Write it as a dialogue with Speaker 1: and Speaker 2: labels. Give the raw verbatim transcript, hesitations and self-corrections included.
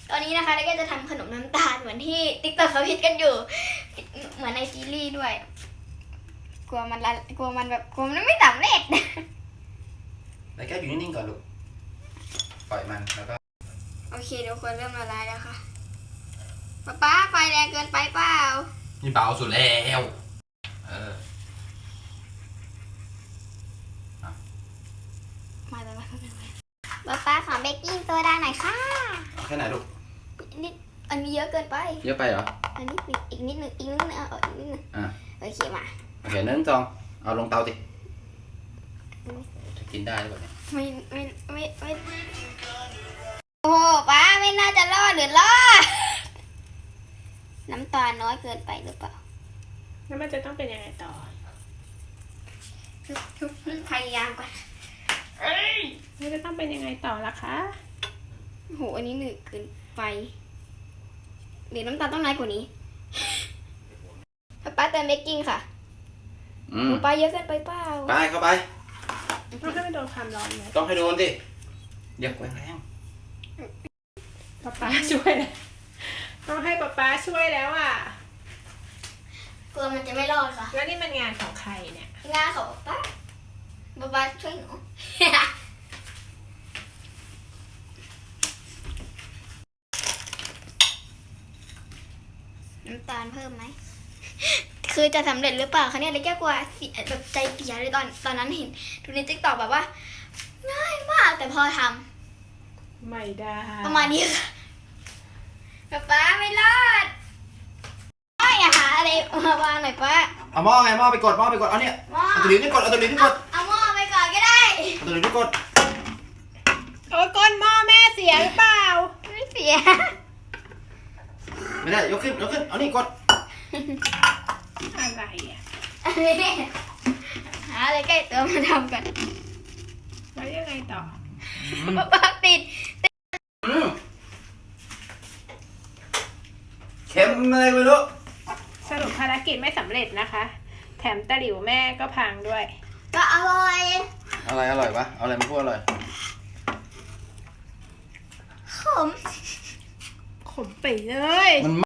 Speaker 1: ตอนนี้นะคะแล้วก็จะทำขนมน้ำตาลเหมือนที่ติ๊กต็อกเขาฮิตกันอยู่เหมือนในซีรีส์ด้วยกลัวมันละกลัวมันแบบกลัวมันไม่สำเร็จ
Speaker 2: แล้วแก้วอยู่นิ่งๆก่อนลูกปล่อยมันแล้วก็
Speaker 1: โอเคเดี๋ยวคนเริ่มละลายแล้วค่ะป๊าป๊าไฟแรงเกินไปเปล่า
Speaker 2: นี่เบาสุดแล้วเออ
Speaker 1: มาแล้วมาป๊าป๊าขอเบกกิ้งโซดาหน่อยค่ะ
Speaker 2: เอาแค่ไหนลูก
Speaker 1: นิดอันนี้เยอะเกินไป
Speaker 2: เยอะไปเหรอ
Speaker 1: อันนี้อีกนิดนึงอีกนิดนึงเอาอีกนิดนึง
Speaker 2: อ่ะ
Speaker 1: โอเคมา
Speaker 2: โอเคหนึ่งสองเอาลงเตาสิจะกินได้หรือเปล่าเนี่ย
Speaker 1: ไม่ไม่ไม่ไม่โอ้โหป้าไม่น่าจะรอดหรือรอดน้ำตาลน้อยเกินไปหรือเปล่า
Speaker 3: แล้วมันจะต้องเป็นยังไงต่อ
Speaker 1: พยายามก่อน
Speaker 3: เอ้ยมันจะต้องเป็นยังไงต่อล่ะคะ
Speaker 1: โอ้โหอันนี้หนึบเกินไปหรือน้ำตาลต้องน้อยกว่านี้ป้าเติมเบกกิ้งค่ะ
Speaker 2: อืม
Speaker 1: ป้าเยอะเกินไปเปล่า
Speaker 2: ไปเข้าไป
Speaker 3: ต้องให้มันโดนความร้อนไหม
Speaker 2: ต้องให้โดนดิอย่าแกว่งแรง
Speaker 3: ป๊าป๊าช่วยนะต้องให้ป๊าป๊าช่วยแล้วอ่ะ
Speaker 1: กลัวมันจะไม่รอดค่ะ
Speaker 3: แล้วนี่มันงานของใครเนี่ย
Speaker 1: งานของป้าป้าป้าช่วยหนู น้ำตาลเพิ่มไหม คือจะสำเร็จหรือเปล่าคะเนี่ยเลยแก้กลัวเสียแบบใจเสียเลยตอนตอนนั้นเห็นดูในติ๊กต็อกแบบว่า ง่ายมากแต่พอท
Speaker 3: ไม่ได้
Speaker 1: ำประมาณนี้ค่ะป๊าป๊าไม่รอดไม่อะหาอะไรมาวางหน่อยป้า
Speaker 2: เอาหม้อไงหม้อไปกดหม้อไปกดเอาเนี่ย
Speaker 1: หม้อ
Speaker 2: เอาตัวหลิวนี่กดเอาตัวหลิวนี่ก
Speaker 1: เอา
Speaker 2: ด
Speaker 1: เอาหม้อไปก่อนก็ได้
Speaker 2: เอาตัวหลิวนี่กด
Speaker 3: โอ้ยก้นหม้อแม่เสียหรือเปล่า
Speaker 1: ไม่เสีย
Speaker 2: ไม่ได้ยกขึ้นยกขึ้นเอานี่กด
Speaker 3: อะไรอ่ะ
Speaker 1: หาอะไรใกล้ตัวมาทำกัน
Speaker 3: แล้วยังไงต่อ
Speaker 1: ป๊าป๊าติด
Speaker 2: อืมเค็มอะไรไม่รู้
Speaker 3: สรุปภารกิจไม่สำเร็จนะคะ แถมตะหลิวแม่ก็พังด้วย
Speaker 1: ก็อร่อย
Speaker 2: อะไรอร่อยปะเอาอะไรมาพูดอร่อย
Speaker 1: ขม
Speaker 3: ขมไปเลย
Speaker 2: มัน